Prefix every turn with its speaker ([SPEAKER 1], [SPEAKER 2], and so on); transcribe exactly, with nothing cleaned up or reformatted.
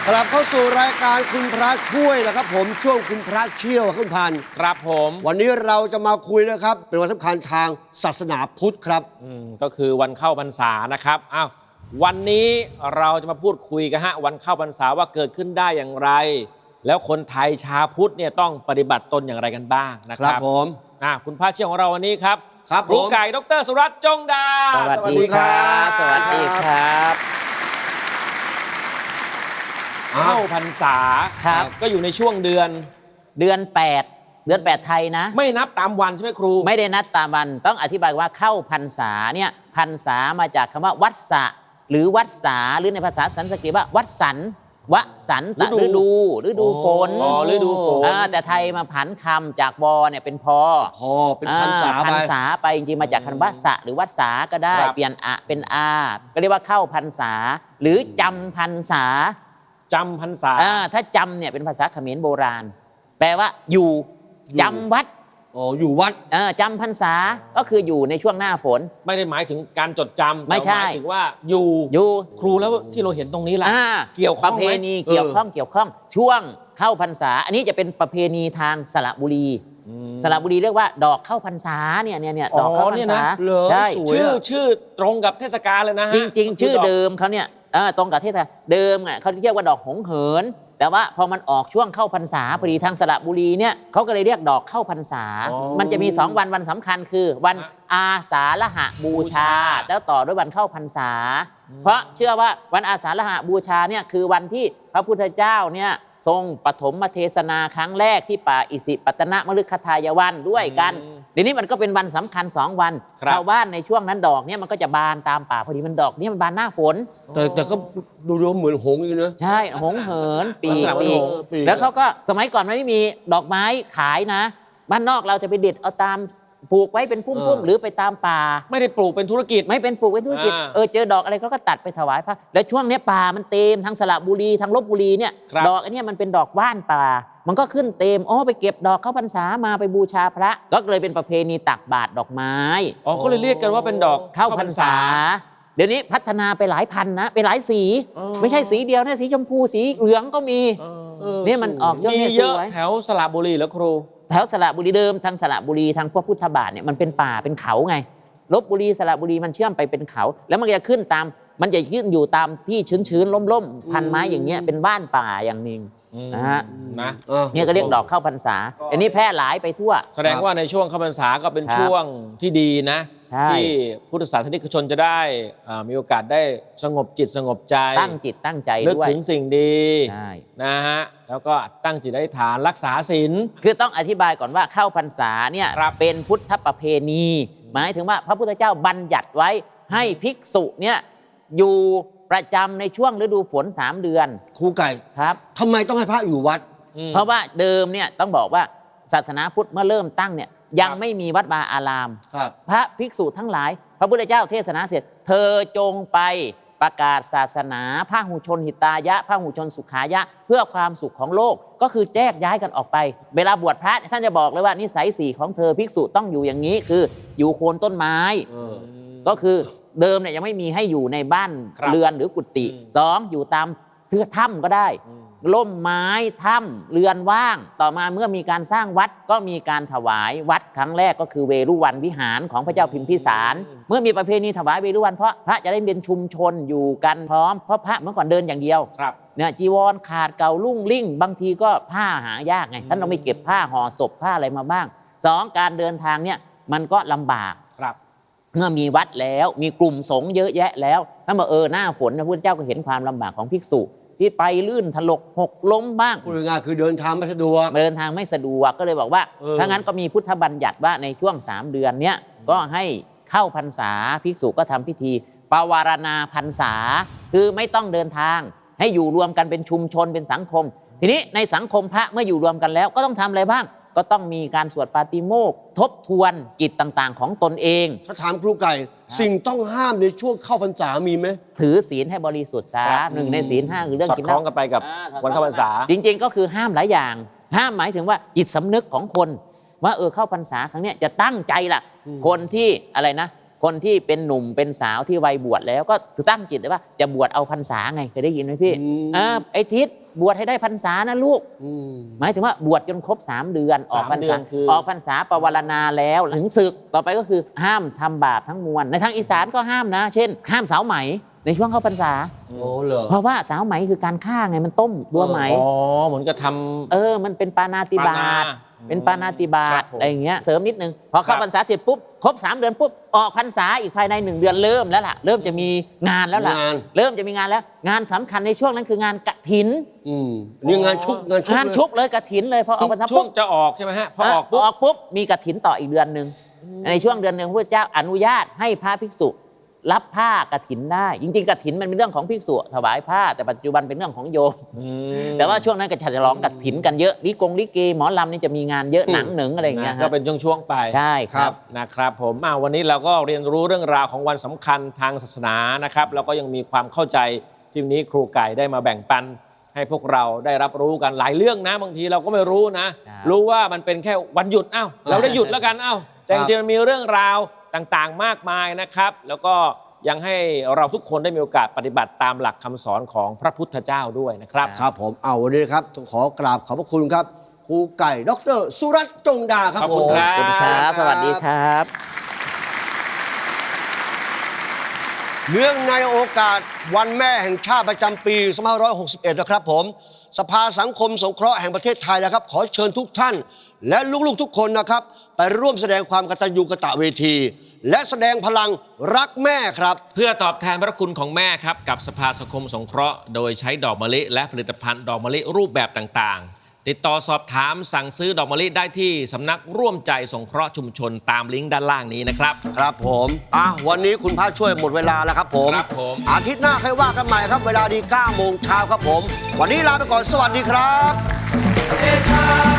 [SPEAKER 1] กลับเข้าสู่รายการคุณพระช่วยนะครับผมช่วงคุณพระเชี่ยวคุณพันธ์
[SPEAKER 2] ครับผม
[SPEAKER 1] วันนี้เราจะมาคุยนะครับเป็นวันสำคัญทางศาสนาพุทธครับ
[SPEAKER 2] อืมก็คือวันเข้าพรรษานะครับอ้าววันนี้เราจะมาพูดคุยกันฮะวันเข้าพรรษาว่าเกิดขึ้นได้อย่างไร แล้วคนไทยชาวพุทธเนี่ยต้องปฏิบัติตนอย่างไรกันบ้างนะค
[SPEAKER 1] ครั
[SPEAKER 2] รั
[SPEAKER 1] บบ ผม
[SPEAKER 2] อ่าคุณพระเชี่ยวของเราวันนี้ครับ
[SPEAKER 1] ครับ
[SPEAKER 2] ครู
[SPEAKER 1] ผม
[SPEAKER 2] ไก่ดรสุรัตน์จงดา
[SPEAKER 3] สวัสดีครับ สวัสดีครับ
[SPEAKER 2] เข้าพรรษา
[SPEAKER 3] ครับ
[SPEAKER 2] ก็อยู่ในช่วงเดือน
[SPEAKER 3] เดือนแปดเดือนแปดไทยนะ
[SPEAKER 2] ไม่นับตามวันใช่ไหมครู
[SPEAKER 3] ไม่ได้นัดตามวันต้องอธิบายว่าเข้าพรรษาเนี่ยพรรษามาจากคำว่าวัดสะหรือวัดสาหรือในภาษาสันสกฤตว่าวัดสันวสันตฤดูฤดูฝน
[SPEAKER 2] อ๋อฤดูฝน
[SPEAKER 3] อ่าแต่ไทยมาผันคำจากวอเนี่ยเป็นพอ
[SPEAKER 1] พอเป็นพรรษา
[SPEAKER 3] อ่
[SPEAKER 1] ไป
[SPEAKER 3] พรรษาไปจริงๆมาจากคำว่าสะหรือวัดสาก็ได้
[SPEAKER 2] ครับ
[SPEAKER 3] เปลี่ยนอะเป็นอาก็เรียกว่าเข้าพรรษา หรือจำพรรษา
[SPEAKER 2] จำพรรษา
[SPEAKER 3] อ่าถ้าจำเนี่ยเป็นภาษาเขมรโบราณ แปลว่าอยู่
[SPEAKER 1] อยู่
[SPEAKER 3] จำวัด
[SPEAKER 1] อ๋ออยู่วัด
[SPEAKER 3] เออจำพรรษาก็คืออยู่ในช่วงหน้าฝน
[SPEAKER 2] ไม่ได้หมายถึงการจดจำ
[SPEAKER 3] ไม่ใช่
[SPEAKER 2] แต่หมายถึงว่าอยู่
[SPEAKER 3] อยู่
[SPEAKER 2] ครูแล้วที่เราเห็นตรงนี้ล่ะ
[SPEAKER 3] อ่า
[SPEAKER 2] เกี่ยวข้องไหม
[SPEAKER 3] ประเพณีเกี่ยวข้องเกี่ยวข้องช่วงเข้าพรรษา อันนี้จะเป็นประเพณีทางสระบุรี
[SPEAKER 2] อืม
[SPEAKER 3] สระบุรีเรียกว่าดอกเข้าพรรษาเนี่ยเนี่ยเนี่ย
[SPEAKER 2] อ๋อ
[SPEAKER 3] ดอกเข้าพร
[SPEAKER 2] เนี่
[SPEAKER 3] ร
[SPEAKER 2] ย
[SPEAKER 3] ษา
[SPEAKER 2] นะ
[SPEAKER 1] เหรอ
[SPEAKER 3] ใช่
[SPEAKER 1] สวย
[SPEAKER 2] ชื่อ
[SPEAKER 1] อะ
[SPEAKER 2] ชื่อตรงกับเทศกาลเลยนะฮะ
[SPEAKER 3] จริง ๆ ชื่อ
[SPEAKER 2] ก็คืดก
[SPEAKER 3] เดิมเขาเนี่ยเออตรงกับเทศกาลเดิมอ่ะเขาเรียกว่าดอกหงเหิน แต่ว่าพอมันออกช่วงเข้าพรรษาพอดีทางสระบุรีเนี่ยเขาก็เลยเรียกดอกเข้าพรรษา
[SPEAKER 2] อ๋อ
[SPEAKER 3] มันจะมีสองวันวันสำคัญคือ วัน
[SPEAKER 2] ฮะ
[SPEAKER 3] อาสาฬหบูชา
[SPEAKER 2] บูชา
[SPEAKER 3] แล้วต่อด้วยวันเข้าพรรษา เพราะเชื่อว่าวันอาสาฬหบูชาเนี่ยคือวันที่พระพุทธเจ้าเนี่ยทรงปฐมเทศนาครั้งแรกที่ป่าอิสิปตนมฤคทายวันด้วยกัน
[SPEAKER 2] อืม
[SPEAKER 3] เดี๋ยวนี้มันก็เป็นวันสำคัญสองวัน
[SPEAKER 2] ครับ
[SPEAKER 3] ชาวบ้านในช่วงนั้นดอกเนี่ยมันก็จะบานตามป่าพอดีมันดอกเนี่ยมันบานหน้าฝน
[SPEAKER 1] แต่แต่ก็ดูดูเหมือนหงส์อยู่นะ
[SPEAKER 3] ใช่หงเหินปีก
[SPEAKER 2] ลักษณะ
[SPEAKER 3] ปีก
[SPEAKER 1] เออปีก
[SPEAKER 3] แล้วเขาก็สมัยก่อนมันไม่มีดอกไม้ขายนะ บ้านนอกเราจะไปเด็ดเอาตามปลูกไว้เป็นพุ่มๆหรือไปตามป่า
[SPEAKER 2] ไม่ได้ปลูกเป็นธุรกิจ
[SPEAKER 3] ไม่เป็นปลูกเป็นธุรกิจ
[SPEAKER 2] อ่า
[SPEAKER 3] เออเจอดอกอะไรเขาก็ตัดไปถวายพระแล้วช่วงเนี้ยป่ามันเต็มทั้งสระบุรีทั้งลบบุรีเนี่ย
[SPEAKER 2] ครับ
[SPEAKER 3] ดอกอันเนี้ยมันเป็นดอกว่านป่า มันก็ขึ้นเต็มอ๋อไปเก็บดอกเข้าพรรษามาไปบูชาพระ ก็เลยเป็นประเพณีตักบาตรดอกไม้
[SPEAKER 2] อ๋อก็เลยเรียกกันว่าเป็นดอก
[SPEAKER 3] เข้าพรรษา เดี๋ยวนี้พัฒนาไปหลายพันนะไปหลายสี
[SPEAKER 2] อ๋อ
[SPEAKER 3] ไม่ใช่สีเดียวนะสีชมพูสีเหลืองก็มี
[SPEAKER 2] เออ
[SPEAKER 1] เออ
[SPEAKER 3] เนี่ยมันออกช่วง
[SPEAKER 2] มี
[SPEAKER 3] เนี้ย
[SPEAKER 2] เย
[SPEAKER 3] ส
[SPEAKER 2] อะ
[SPEAKER 3] วย
[SPEAKER 2] แถวสระบุรีแล้วครู
[SPEAKER 3] แถวสระบุรีเดิมทางสระบุรีทางพวกพุทธบาทเนี่ยมันเป็นป่าเป็นเขาไงลบบุรีสระบุรีมันเชื่อมไปเป็นเขา แล้วมันก็จะขึ้นตามมันจะขึ้นอยู่ตามที่ชื้นๆล่มๆพันไม้อย่างเงี้ยเป็นบ้านป่าอย่างหนึ่ง นะฮะ
[SPEAKER 2] นะ
[SPEAKER 1] อ่ะ
[SPEAKER 3] เนี่ยก็เรียกดอกเข้าพรรษาอันนี้แพร่หลายไปทั่ว
[SPEAKER 2] แสดงว่าในช่วงเข้าพรรษาก็เป็น
[SPEAKER 3] ครับ
[SPEAKER 2] ช่วงที่ดีนะ
[SPEAKER 3] ใช่
[SPEAKER 2] ที่พุทธศาสนิกชนจะได้อ่ามีโอกาสได้สงบจิตสงบใจ
[SPEAKER 3] ตั้งจิตตั้งใจ
[SPEAKER 2] นึก
[SPEAKER 3] ด้วย
[SPEAKER 2] ถึงสิ่งดี
[SPEAKER 3] ใช่
[SPEAKER 2] นะฮะแล้วก็ตั้งจิตอธิษฐานรักษาศีล
[SPEAKER 3] คือต้องอธิบายก่อนว่าเข้าพรรษาเนี่ย
[SPEAKER 2] ครับ
[SPEAKER 3] เป็นพุทธประเพณี หมายถึงว่าพระพุทธเจ้าบัญญัติไว้ให้ภิกษุเนี่ยอยู่ประจำในช่วงฤดูฝนสามเดือน
[SPEAKER 1] ครูไก่
[SPEAKER 3] ครับ
[SPEAKER 1] ทำไมต้องให้พระอยู่วัด
[SPEAKER 2] อืม
[SPEAKER 3] เพราะว่าเดิมเนี่ยต้องบอกว่าศาสนาพุทธเมื่อเริ่มตั้งเนี่ยยัง
[SPEAKER 2] ครับ
[SPEAKER 3] ไม่มีวัดวาอาราม
[SPEAKER 1] ครับ
[SPEAKER 3] พระภิกษุทั้งหลาย พระพุทธเจ้าเทศนาเสร็จ เธอจงไปประกาศศาสนาพระหูชนหิตายะพระหูชนสุขายะ เพื่อความสุขของโลกก็คือแจกย้ายกันออกไป เวลาบวชพระท่านจะบอกเลยว่านิสัยสี่ของเธอภิกษุต้องอยู่อย่างนี้คืออยู่โคนต้นไม้
[SPEAKER 1] เออ
[SPEAKER 3] ก็คือเดิมเนี่ยยังไม่มีให้อยู่ในบ้าน
[SPEAKER 2] ครับ
[SPEAKER 3] เรือนหรือกุฏิ
[SPEAKER 2] อืม
[SPEAKER 3] สองอยู่ตามเทือกถ้ำก็ได้
[SPEAKER 2] อืม
[SPEAKER 3] ล่มไม้ถ้ำเรือนว่าง ต่อมาเมื่อมีการสร้างวัดก็มีการถวายวัดครั้งแรกก็คือเวรุวันวิหารของพระเจ้าพิมพิสาร เมื่อมีประเพณีถวายเวรุวันเพราะพระจะได้เป็นชุมชนอยู่กันพร้อมเพราะพระเมื่อก่อนเดินอย่างเดียว
[SPEAKER 2] ครับ
[SPEAKER 3] เนี่ยจีวรขาดเก่าลุ่งลิ่ง บางทีก็ผ้าหายากไง
[SPEAKER 2] อืม
[SPEAKER 3] ท่านต้องไปเก็บผ้าห่อศพผ้าอะไรมาบ้างสองการเดินทางเนี่ยมันก็ลำบาก
[SPEAKER 2] ครับ
[SPEAKER 3] เมื่อมีวัดแล้วมีกลุ่มสงฆ์เยอะแยะแล้วท่านบอกเออหน้าฝนพระพุทธเจ้าก็เห็นความลำบากของภิกษุที่ไปลื่นถลกหกล้มบ้าง
[SPEAKER 1] พูดง่ายๆคือเดินทางไม่สะดวก
[SPEAKER 3] เดินทางไม่สะดวกก็เลยบอกว่า
[SPEAKER 1] เออ
[SPEAKER 3] ถ้างั้นก็มีพุทธบัญญัติว่าในช่วงสามเดือนเนี้ยก็ให้เข้าพรรษาภิกษุก็ทำพิธีปวารณาพรรษา คือไม่ต้องเดินทางให้อยู่รวมกันเป็นชุมชนเป็นสังคม ทีนี้ในสังคมพระเมื่ออยู่รวมกันแล้วก็ต้องทำอะไรบ้าง ก็ต้องมีการสวดปาติโมกข์ทบทวนกิจต่างๆ ของตนเอง
[SPEAKER 1] ถ้าถามครูไก่ สิ่งต้องห้ามในช่วงเข้าพรรษามีไหม
[SPEAKER 3] ถือศีลให้บริสุทธิ์ซะ
[SPEAKER 2] ครับ
[SPEAKER 3] หนึ่งในศีลห้าคือเรื่อง
[SPEAKER 2] สอด
[SPEAKER 3] กิน
[SPEAKER 2] คล้อง
[SPEAKER 3] เห
[SPEAKER 2] กั
[SPEAKER 3] ล้า
[SPEAKER 2] นไปกับ
[SPEAKER 3] อ่า
[SPEAKER 2] วันเข้าพรรษา
[SPEAKER 3] จริงๆ ก็คือห้ามหลายอย่าง ห้ามหมายถึงว่าจิตสำนึกของคน ว่าเออเข้าพรรษาครั้งเนี้ยจะตั้งใจล่ะ
[SPEAKER 1] อืม
[SPEAKER 3] คนที่อะไรนะคนที่เป็นหนุ่มเป็นสาวที่วัยบวชแล้วก็ตั้งจิตเลยว่าจะบวชเอาพรรษาไงเคยได้ยินไหมพี่
[SPEAKER 1] อืม
[SPEAKER 3] อ่าไอ้ทิศบวชให้ได้พรรษานะลูก
[SPEAKER 1] อืม
[SPEAKER 3] หมายถึงว่าบวชจนครบสามเดือนออกพรร
[SPEAKER 2] สามเดื
[SPEAKER 3] ษา
[SPEAKER 2] อนคือ
[SPEAKER 3] ออกพรรษาปวารณาแล้วถึงศึกต่อไปก็คือห้ามทำบาปทั้งมวลในทางอีสานก็ห้ามนะ เช่นห้ามสาวไหมในช่วงเข้าพรรษา
[SPEAKER 1] โอ้เหรอ
[SPEAKER 3] เพราะว่าสาวไหมคือการฆ่าไงมันต้มตัวไหม
[SPEAKER 2] อ๋อเหมือนกับทำ
[SPEAKER 3] เออมันเป็นปานาติบา
[SPEAKER 2] ปา
[SPEAKER 3] ต
[SPEAKER 2] นา
[SPEAKER 3] เป็นปานาติบา
[SPEAKER 2] ครั
[SPEAKER 3] ต
[SPEAKER 2] บผม
[SPEAKER 3] อะไรอย่างเงี้ยเสริมนิดนึงพอเข้า
[SPEAKER 2] ครับ
[SPEAKER 3] พรรษาเสร็จปุ๊บครบสามเดือนปุ๊บออกพรรษาอีกภายในหนึ่งเดือนเริ่มแล้วล่ะเริ่มจะมีงานแล้วล่ะ
[SPEAKER 1] งาน
[SPEAKER 3] เริ่มจะมีงานแล้ว งานสำคัญในช่วงนั้นคืองานกฐิน
[SPEAKER 1] อืมนี่งานชุกงานชุก
[SPEAKER 3] งาน
[SPEAKER 1] เลย
[SPEAKER 3] ชุกเลยกฐินเลยพอออกพรรษา
[SPEAKER 2] ช่ว
[SPEAKER 3] ปุ๊
[SPEAKER 2] ง
[SPEAKER 3] บ
[SPEAKER 2] จะออกใช่ไหมฮะพอออกปุ๊บ
[SPEAKER 3] ออกปุ๊บมีกฐินต่ออีกเดือนหนึ่งในช่วงเดือนหนึ่งพระพุทธเจ้าอนุญาตให้พระภิกษุรับผ้ากฐินได้ จริงๆกฐินมันเป็นเรื่องของภิกษุถวายผ้าแต่ปัจจุบันเป็นเรื่องของโยม
[SPEAKER 2] อืม
[SPEAKER 3] แต่ว่าช่วงนั้นก็จะฉลองกฐินกันเยอะลิกงลิเกหมอลำนี่จะมีงานเยอะหนังหนึ่งอะไรอย่างเงี้ย
[SPEAKER 2] นะก็
[SPEAKER 3] ฮะ
[SPEAKER 2] เป็นช่วงๆไป
[SPEAKER 3] ใช่ครับ
[SPEAKER 2] นะครับผมอ่าวันนี้เราก็เรียนรู้เรื่องราวของวันสำคัญทางศาสนานะครับแล้วก็ยังมีความเข้าใจที่วันนี้ครูไก่ได้มาแบ่งปัน ให้พวกเราได้รับรู้กันหลายเรื่องนะ บางทีเราก็ไม่รู้นะ
[SPEAKER 3] ครับ
[SPEAKER 2] รู้ว่ามันเป็นแค่วันหยุดอ้าวเราได้หยุดแล้วกันอ้าวแต่จริงๆมันมีเรื่องราวต่างๆมากมายนะครับ แล้วก็ยังให้เราทุกคนได้มีโอกาสปฏิบัติตามหลักคำสอนของพระพุทธเจ้าด้วยนะครับ
[SPEAKER 1] ครับผมเอาวันนี้นะครับต้องขอกราบขอบพระคุณครับครูไก่ดรสุรัตน์จงดาครับ
[SPEAKER 2] ขอบคุณ
[SPEAKER 1] ผม
[SPEAKER 2] ครับ
[SPEAKER 3] ขอบคุณครับสวัสดีครับ
[SPEAKER 1] เนื่องในโอกาสวันแม่แห่งชาติประจำปีสองพันห้าร้อยหกสิบเอ็ดนะครับผมสภาสังคมสงเคราะห์แห่งประเทศไทยนะครับ ขอเชิญทุกท่าน และลูกๆทุกคนนะครับ ไปร่วมแสดงความกตัญญูกตเวที และแสดงพลังรักแม่ครับ
[SPEAKER 2] เพื่อตอบแทนพระคุณของแม่ครับกับสภาสังคมสงเคราะห์โดยใช้ดอกมะลิและผลิตภัณฑ์ดอกมะลิรูปแบบต่างๆ ติดต่อสอบถามสั่งซื้อดอกมะลิได้ที่สำนักร่วมใจสงเคราะห์ชุมชนตามลิงก์ด้านล่างนี้นะครับ
[SPEAKER 1] ครับผมอ่ะวันนี้คุณพระช่วยหมดเวลาแล้วครับผม
[SPEAKER 2] ครับผม
[SPEAKER 1] อาทิตย์หน้าค่อยว่ากันใหม่ครับ เวลาดีเก้าโมงเช้าครับผม วันนี้ลาไปก่อนสวัสดีครับ
[SPEAKER 4] It's